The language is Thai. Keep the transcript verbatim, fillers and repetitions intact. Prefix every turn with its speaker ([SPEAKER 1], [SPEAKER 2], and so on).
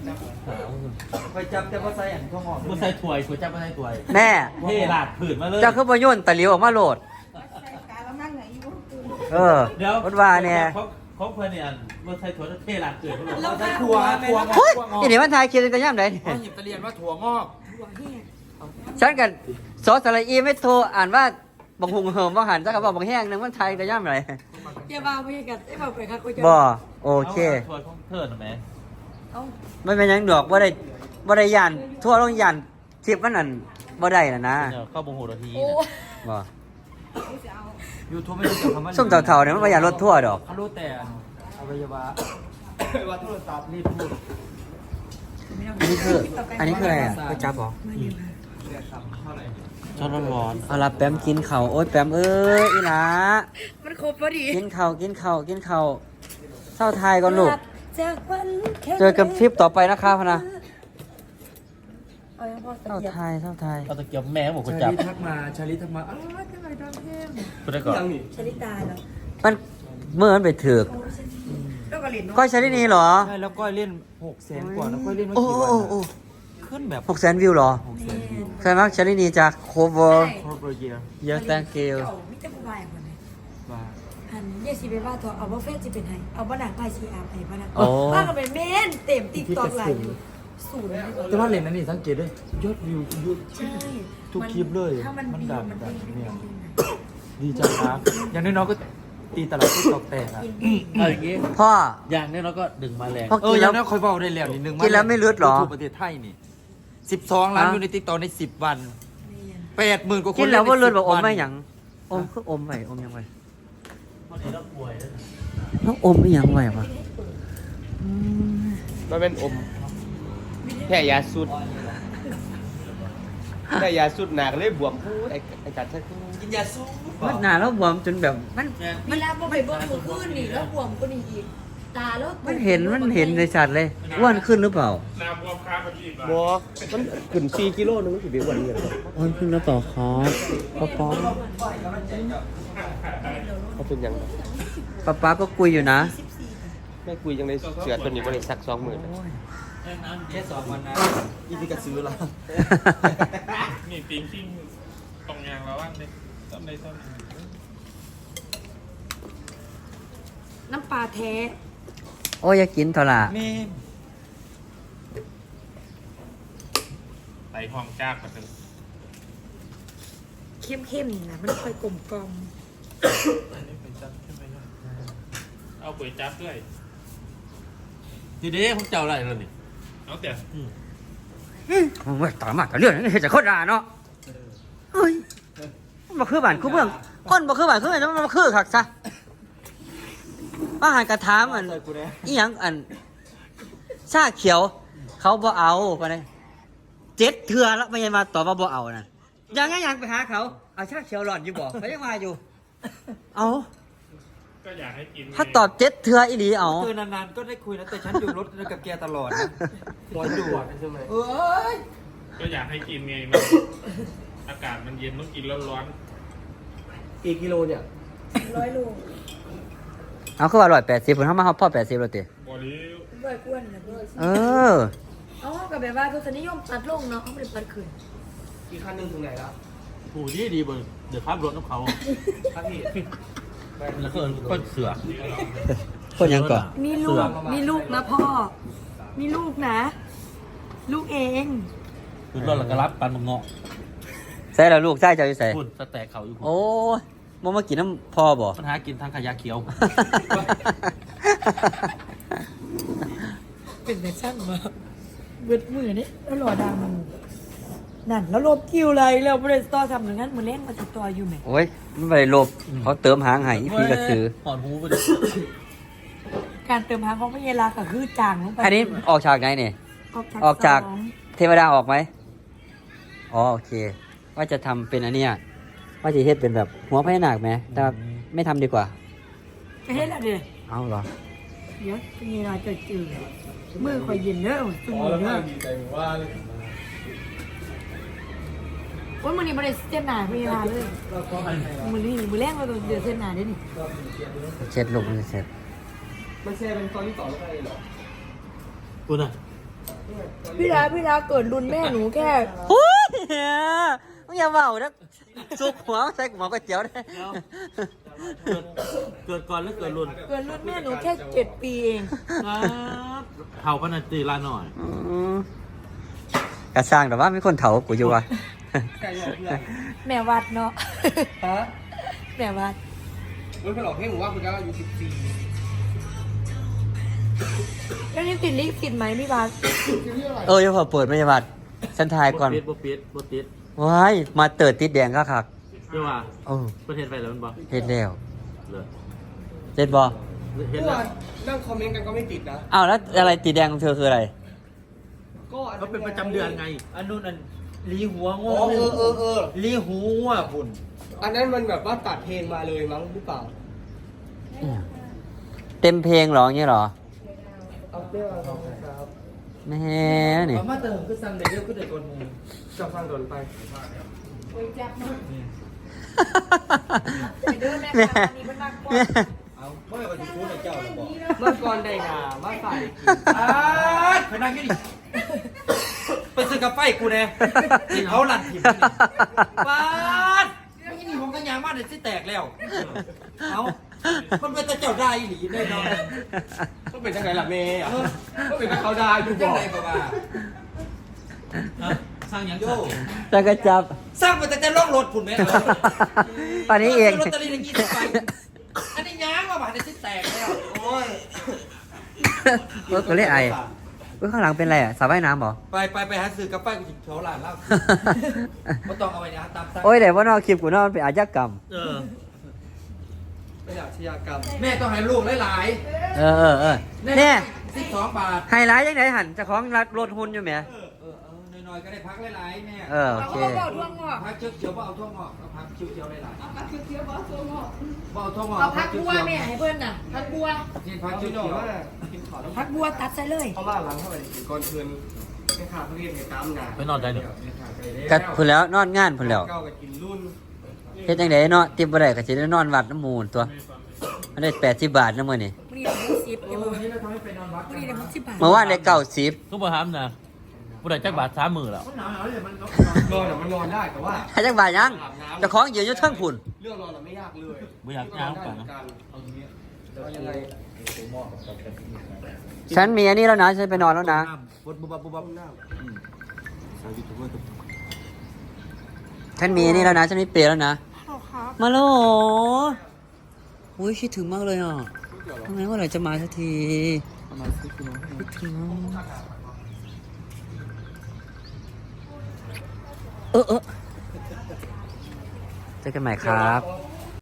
[SPEAKER 1] คอยจับแต่ว่าใส่อันข้าวหอม
[SPEAKER 2] บ่ใส่ถ้วยก๋วยจั๊บบ่ใส่ถ้วย
[SPEAKER 3] แม่
[SPEAKER 2] เทราดผืนมาเลย
[SPEAKER 3] เจ้าคือบ่โยนตะหลิวออกมาโหลดเออ
[SPEAKER 2] เดี๋ยว
[SPEAKER 3] พูดว่าเนี่ย
[SPEAKER 2] ของของเพิ่นเนี่ยบ่ใส่ถ้วยเทราดผืนมาเลย
[SPEAKER 1] เราใส่ถั่วถั่วงอก
[SPEAKER 3] เฮ้ย
[SPEAKER 1] ถั่วงอก
[SPEAKER 3] อีนี่มันทายคิดกันย่ำได
[SPEAKER 1] เขาหยิบตะเรียนว่าถั่วงอก
[SPEAKER 3] ฉันกันซอสสระอีไม่โทรอ่านว่าบังหุงเหิมว่าหันจักกับบังแห้งนึงมันทายกันย่ำไร
[SPEAKER 4] อย่าบ้าไม่กันไอ้บ้าไปครับกูจะ
[SPEAKER 3] บ่โอเค
[SPEAKER 2] ถ้วยของเพิ่นน่ะแม่
[SPEAKER 4] เอา
[SPEAKER 3] ไม่เป็นหยังดอกบ่ได้บ่ได้ยันทั่วลงยันทิปมันนั่นบ่ได้น่ะนะ
[SPEAKER 2] เดี๋ยวเข้าบ่ฮู้นาที
[SPEAKER 4] โอ้
[SPEAKER 3] บ่
[SPEAKER 1] ยูทูบไม่ได้เกี่ยวกับคำว่า
[SPEAKER 3] ส้มเฒ่าๆเนี่ยมันบ่อยากลดทั่วดอก
[SPEAKER 1] เขารู้แต่อวัยวะอวัยวะโทรศัพท์รีบพูด
[SPEAKER 3] อันนี้คืออันนี้คืออะไรอ่ะก๋วยจั๊บเหรอ
[SPEAKER 1] เท่าไหร่
[SPEAKER 2] ช้อนร้อน
[SPEAKER 3] เอาล่ะแปมกินข้าวโอ๊ยแปมเอ้ยอีหลา
[SPEAKER 4] มันครบพอดี
[SPEAKER 3] กินข้าวกินข้าวกินข้าวเศร้าทายก่อนลูก
[SPEAKER 4] จากวันแค่
[SPEAKER 3] เจอกันคลิปต่อไปนะครับพะนะ
[SPEAKER 4] เอายังพอ
[SPEAKER 3] เศร้า
[SPEAKER 4] เกียบ
[SPEAKER 3] ทายเศร้าทาย
[SPEAKER 2] เอาตะเกียบแม่บอกก๋วย
[SPEAKER 1] ชา
[SPEAKER 2] จั๊บ
[SPEAKER 1] ลิทักมาชาลิทักมาอ้าวเป็นไรดังเทม
[SPEAKER 2] พูดได้ก่อน
[SPEAKER 1] ยังนี่
[SPEAKER 4] ชลิตาเหรอ
[SPEAKER 3] มันเมื่อมันไปถือก
[SPEAKER 4] แล้วก็เหรียญเนาะ
[SPEAKER 3] ก้อยชาลินีเหรอ
[SPEAKER 1] ใช่แล้วก็เล่นหกแสนกว่าแล้วก็เล่นมา
[SPEAKER 3] โอ้
[SPEAKER 1] กี่
[SPEAKER 3] โอ้
[SPEAKER 1] วัน
[SPEAKER 3] โอ้
[SPEAKER 1] อะขึ้นแบบ
[SPEAKER 3] หกแสนวิวเหรอ
[SPEAKER 1] หกแสนวิว
[SPEAKER 3] ใช่ไหมชาลินีจากโคเวอร์
[SPEAKER 1] ครบเลยเยียร์
[SPEAKER 3] เยอะ thank you
[SPEAKER 4] เก่ามิจะผู้บายคนไหน
[SPEAKER 1] ว่า
[SPEAKER 4] หันเยสิไปว่าเถอะเอาว่าเฟซจะเป็นไงเอาว่าหนังไพ่ชีอาร์ไพ่บ้านะ
[SPEAKER 3] โอ้
[SPEAKER 4] ว่าก็เป็นเมนเต็มติ๊กตอกไหลอยู่สูง
[SPEAKER 1] แต่ว่าเลนส์นั้นนี่สังเกตด้วยยอดวิวเยอะ
[SPEAKER 4] ใช่
[SPEAKER 1] ทุกคลิปเลย
[SPEAKER 4] ถ้ามัน
[SPEAKER 1] มัน
[SPEAKER 4] ดี
[SPEAKER 1] ดัง
[SPEAKER 4] มัน
[SPEAKER 1] ดัง
[SPEAKER 4] ดี
[SPEAKER 1] เนี่ย ดีจังครับอย่างน้อยๆก็ตีตลาดที่ตอกแตกอ่ะ
[SPEAKER 2] เอาอย่างงี้
[SPEAKER 3] พ่อ
[SPEAKER 2] อย่างนี้เราก็ดึงมาแรง
[SPEAKER 3] พ่อ
[SPEAKER 1] เอ
[SPEAKER 3] กิ
[SPEAKER 1] อน อ
[SPEAKER 3] แล้
[SPEAKER 1] ย่าว งน้อยคอยเบาได้แล้วนิดนึง
[SPEAKER 3] กินแล้วไม่เลือดเหรอ
[SPEAKER 1] ทั่วประเทศไทยนี่สิบสองล้าน
[SPEAKER 3] อ่ะ
[SPEAKER 1] อยู่ในติ๊กต็อกในสิบวันแปดหมื่นกว่าคน
[SPEAKER 3] กินแล้วว่าเลือด
[SPEAKER 1] ใน
[SPEAKER 3] บอกอม
[SPEAKER 1] สิ
[SPEAKER 3] ไม่หยังอมคืออมไหวอมยังไหว
[SPEAKER 2] วันนี้เราป่วยแล้ว
[SPEAKER 3] ต้องอมไม่หยังไหวปะ
[SPEAKER 5] มันเป็นอมแค่ยาสุดแค่ยาสุดหนักเลยบวมพูดไอ้ไอ้กัดใช่กินยาสูบ
[SPEAKER 3] มันหนาแล้วบวมจนแบบมัน
[SPEAKER 4] เวลาพอไปเบิ้งมือขึ้นนี่แล้วบวมก็นี่อีกตาแล้ว
[SPEAKER 3] มันเห็นมันเห็นในชัดเลยอ้วนขึ้นหรือเปล่า
[SPEAKER 5] บอมันขึ้นสี่กิโลนึงมันสิเป็นวันนี้เหรอ
[SPEAKER 3] อ้วนขึ้นแล้วเปล่าครับป๊าป๊า
[SPEAKER 5] เขาเป็นยังไง
[SPEAKER 3] ป๊าป๊าก็คุยอยู่นะ
[SPEAKER 5] ไม่คุยยังในเสือตัวนี้บริษัทสองหมื่น
[SPEAKER 1] แค่สองวันนะอีพีกระซื้อละ
[SPEAKER 6] นี่ปิงกิ้งตรงยางแล้วอันนี้ต้นในต้น
[SPEAKER 4] น้ำปลาแท้
[SPEAKER 3] โอ้ยอยากกินเท่าไหร่
[SPEAKER 1] นี่
[SPEAKER 6] ใส่ห้องจากมาถึง
[SPEAKER 4] เข้มๆนี่นะมันค่อยกลมกล่อม
[SPEAKER 6] อันนี้เป็นจับใช่ไหมล่ะเอาก๋วยจับด้วย
[SPEAKER 2] ทีนี้ผมเจ้าอะไรแล้วนี่
[SPEAKER 6] เอาแต่
[SPEAKER 3] มันไม่ต่อมากกับเรื่องนี้เห็นจะโคตรด่าเนาะเฮ้ยมันมาคือบ้านคือเมืองคนมาคือบ้านคือเมืองมันมาคือคักซะป้าหันกระถามอัน
[SPEAKER 1] ใส่กูเนี่ย
[SPEAKER 3] อีหยังอันชาเขียว เขาบ่เอาไปเลยเจ็ดเทือแล้วไม่ยังมาตอบว่าบ่เอานะยังไงยังไปหาเขาเอาชาเขียวหลอดอยู่บ่เขายังมาอยู่ เอา
[SPEAKER 6] ก็อยากให้กิน
[SPEAKER 3] ถ้าตอบเจ็ดเทืออีหลีเอา
[SPEAKER 1] เจอนานๆก็ได้คุยนะแต่ฉันอยู่รถกับแกตลอดนะร้อนดูใช่ไหมเอ้ย
[SPEAKER 6] ก็อยากให้กินไงมันอากาศมันเย็นต้องกินร้อน
[SPEAKER 5] กี่กิโลเนี่ย
[SPEAKER 4] ร้อยโล
[SPEAKER 3] เอาคือว่าร้อยแปดสิบผมทำมาเขาพ่อแปดสิบแล้วติ
[SPEAKER 6] ๆบอดี้
[SPEAKER 4] ร้อยกวนนะร้อย
[SPEAKER 3] เออ
[SPEAKER 4] เอากับแบบว่าทุสนิยมตัดลงเนาะเขาไม่ได้ปัดขึ้น
[SPEAKER 5] กี่คันหนึ่งถึงไหนแล้ว
[SPEAKER 2] ผู้ดีดีเบอร์เดี๋ยวขับรถน้ำเขา
[SPEAKER 5] ครับพี่
[SPEAKER 2] แล้วก็ก็เสือ
[SPEAKER 3] คนยังก่อน
[SPEAKER 4] มีลูกมีลูกนะพ่อ มีลูกนะ ลูกเอง
[SPEAKER 2] คือรถแล้วก็รับปันมังเงาะ
[SPEAKER 3] ใส่แล้วลูกใส่เจ้าอยู่ใส่
[SPEAKER 2] พุ่นสแต็กเขาอยู่พุ่น
[SPEAKER 3] โอ้ยมันมากินน้ำพ่อบ่
[SPEAKER 2] ปัญหากินทางขยะเขียว
[SPEAKER 4] เป็นแต่ช่างมาเบิดมือนี่แล้วหล่อดามันนั่นแล้วลบคิวเลยแล้วบริษัททำอย่างนั้นมือเล่นมาติดต่ออยู่ไหม
[SPEAKER 3] โอ้ยมันไม่ได้ลบเขาเติมหางให้อีพีกระสือ
[SPEAKER 2] หอนหูไปเลย
[SPEAKER 4] การเติมหางของพญาลาก็คือจางลงไป
[SPEAKER 3] อันนี้ออกฉากไหนเนี่ย
[SPEAKER 4] ออกจาก
[SPEAKER 3] ออกจาก
[SPEAKER 4] สอง
[SPEAKER 3] เทวดาออกไหมอ๋อโอเค ว่าจะทำเป็นอันเนี้ยว่าจะเฮ็ดเป็นแบบหัวพญานาคไหมแต่ไม่ทำดีกว่า
[SPEAKER 4] จะเห็นอะไร
[SPEAKER 3] เอาเหรอ
[SPEAKER 4] เดี๋ยวพญาลาจะจืดมือคอยเย็นเด้อสมุนเด้อโอ้ยมือนี้บริษัทเส้นหนาพญาลาเลยมือนี้มือแรกเราต้องเดือดเส้นหนาเด้นี่
[SPEAKER 3] เช็ดลงมันจะเสร็จ
[SPEAKER 5] มันแชร์เป็นตอนที่ต่อแล้วไปเหรอ
[SPEAKER 2] คุณอ่ะ
[SPEAKER 4] พี่ดาพี่ดาเกิดรุ่นแม่หนูแค่
[SPEAKER 3] โอ้ยมึงอย่าเบานะสุกหัวใส่หมอก๋วยเตี๋ยวได้
[SPEAKER 2] เกิดเกิดก่อนหรือเกิดรุ่น
[SPEAKER 4] เกิดรุ่นแม่หนูแค่เจ็ดปีเอง
[SPEAKER 2] ครับเท่ากันนาตีละหน่อย
[SPEAKER 3] อืมกระสร้างแต่ว่ามีคนเถากูอยู่ว่ะ
[SPEAKER 4] แม่วัดเนาะ
[SPEAKER 5] ฮะ
[SPEAKER 4] แม่วัด
[SPEAKER 5] มันเป็นหลอกให้หมูว่าคุณจะอายุสิบสี่
[SPEAKER 4] แล้วนี่ติดลิขสิทธิ์ไหมพี่บาส
[SPEAKER 3] เอออย่าพอเปิดไม่ยาบัดฉันทายก่อน
[SPEAKER 2] บ่ปิดบ่ปิดบ่ติด
[SPEAKER 3] ว้ายมาเติร์ดติดแดงก็คัก
[SPEAKER 2] เรียกว่า
[SPEAKER 3] โอ้
[SPEAKER 2] ประเทศไปแล้วมันบ่
[SPEAKER 3] เฮ็ดแล้ว
[SPEAKER 2] เลย
[SPEAKER 3] เจ็ดบอ
[SPEAKER 2] เห็น
[SPEAKER 5] เมื่อ
[SPEAKER 2] แล้ว
[SPEAKER 5] วานนั่งคอมเมนต์กันก็ไม่ติดนะ
[SPEAKER 3] อ้าวแล้วอะไรติดแดงของเธอคืออะไร
[SPEAKER 5] ก็อั
[SPEAKER 2] ก็เป็นประจำเดือนไง
[SPEAKER 1] อันนู้นอันลีหัวง
[SPEAKER 5] อ๋อเออเออเออ
[SPEAKER 1] ลีหัวคุณ
[SPEAKER 5] อันนั้นมันแบบว่าตัดเพลงมาเลยมั้งหรือเปล่า
[SPEAKER 3] เต็มเพลงเหรออย่างเงี้ยเหรอ
[SPEAKER 5] เอาเปรี้ยวเอาครับ
[SPEAKER 3] แม่นี่
[SPEAKER 1] เอามาเติมก็สั่งเดี๋ยวก็ได้กดมือ
[SPEAKER 5] จับฟังโดนไป
[SPEAKER 4] เดินแม่
[SPEAKER 3] แม่
[SPEAKER 4] ค่ะมีเป็นนักบอล
[SPEAKER 3] แม่
[SPEAKER 1] เอาเมื่อวันที่พูดในเจ้าเราบอก
[SPEAKER 5] เมื่อก่อนได้งามาใส่กิน
[SPEAKER 1] อ้าไปนั่งยี่ดิไปซื้อกาแฟกูแน่เขาหลั่นถิ่มป้าดไม่ยี่นี่ผมก็ยางมากเลยที่แตกแล้ว เอามันเป็นตะเจ้าได้หลีแน่นอน
[SPEAKER 5] ก็เป็นจังไงล่ะเมย์อ่ะก็เป็นกับเขาได้อยู่บ
[SPEAKER 1] จัง
[SPEAKER 5] อก
[SPEAKER 1] ไรก็ว่า
[SPEAKER 2] สร้างหยัง
[SPEAKER 1] โย
[SPEAKER 3] จะกระจับ
[SPEAKER 1] สร้างมาแต่แต่ล่องรถคุณไหม
[SPEAKER 3] ตอนนี้เอง
[SPEAKER 1] ลอตเตอรี่ในยี่สิบใบอันนี้ย้างมาบาทในที่แตกแล้วโอ้ย
[SPEAKER 3] เออกูเรียกไอ้เอ้ยข้างหลังเป็นอะไรอ่ะสระว่ายน้ำเหรอ
[SPEAKER 1] ไปไปไปหาซื้อกาแฟกูจิบเฉาหลานแล้วก็ต้องเอาไปนะตามสั่ง
[SPEAKER 3] โอ้ยเดี๋ยวว่านอกคลิปกูนอกมันเป็นอาชญากรรม
[SPEAKER 2] เออ
[SPEAKER 5] ไม่อยากชญากรรม
[SPEAKER 1] แม่ต้องให้ลูกหลาย
[SPEAKER 3] เออเออเออ
[SPEAKER 1] ๆ
[SPEAKER 3] เนี่ย
[SPEAKER 1] สิบสองบาท
[SPEAKER 3] ไฮไลท์ยังไงหันเจะของรัดรถหุ่นอยู่ไหม
[SPEAKER 1] เออเออน้อยๆก็ได้พักหลายๆแม่
[SPEAKER 3] เออโอ
[SPEAKER 4] เอา
[SPEAKER 3] เค
[SPEAKER 4] เขาบอกทั่วงอก
[SPEAKER 1] พักเขียวๆว่าเอาทั่วงอกเอาพักเขียวๆหลายๆ
[SPEAKER 4] เอาพักเคี้ยวๆบอกทั่วงอก
[SPEAKER 1] ว่าเอาทั่วงอก
[SPEAKER 4] เอาพักบัวแม่ให้เพื่อนน่ะพักบัว
[SPEAKER 1] นี่พัก
[SPEAKER 5] เอา
[SPEAKER 1] เขี
[SPEAKER 5] พี่น้อง
[SPEAKER 1] ยว
[SPEAKER 5] ว่ากินขอแล้ว
[SPEAKER 4] พักบัวตัดใส่เลย
[SPEAKER 5] เขามาหลังเข้าไปกินก่อนคืนไม่ขาดเพื่อนเหตุการณ์งาน
[SPEAKER 2] ไปนอนใจหนึ่ง
[SPEAKER 3] กัดพุ่นแล้วนอนงานพุ่นแล้ว
[SPEAKER 5] เก้าไปกินรุ่น
[SPEAKER 3] เฮ็ดจังไดเนาะติบบ่ได้ก็สิได้นอนวัดน้ำมูลตัวอันนี้แปดสิบบาทนะมื้อนี้
[SPEAKER 4] มันนี่เดี๋ยวมุกสิบ
[SPEAKER 1] ๆเอ
[SPEAKER 4] เดี๋ยว
[SPEAKER 1] อวันนี้เราทำให้ไปนอนวัด
[SPEAKER 4] มันนี่เดี๋ยวมุกสิบบาท
[SPEAKER 3] เมื่อวานได้เก้าสิบ
[SPEAKER 2] ก็บ่ถามนะผู้ใดจักบาทสามมือแล้ว
[SPEAKER 1] มันหนาวๆเลยมัน
[SPEAKER 5] นอนอ่ะมันนอนได้แต่ว่า
[SPEAKER 3] ให้จังบาทยังเจ้าของยืนอยู่เทิงพุ่น
[SPEAKER 5] เรื่องนอนอ่ะไม่ยากเลย
[SPEAKER 2] บ่อยากย่างไปนะ
[SPEAKER 5] เอาอย่างเงี้ยเอายังไง
[SPEAKER 3] ฉันมีอันนี้แล้วนะฉันไปนอนแล้วนะ
[SPEAKER 1] ปุ๊บปุ๊บปุ๊บปุ๊บหน้าสาวยูทูบเบอร์
[SPEAKER 3] ฉันมีอันนี้แล้วนะฉันมีเปรย์แล้วนะมาแล้วเหรออุ้ยคิดถึงมากเลยอ่ะทำไมเมื่อไหร่จะมาสักที
[SPEAKER 1] ประมาณสิบกิโล
[SPEAKER 3] คิดถึงเออเออเจอกันใหม่ครับ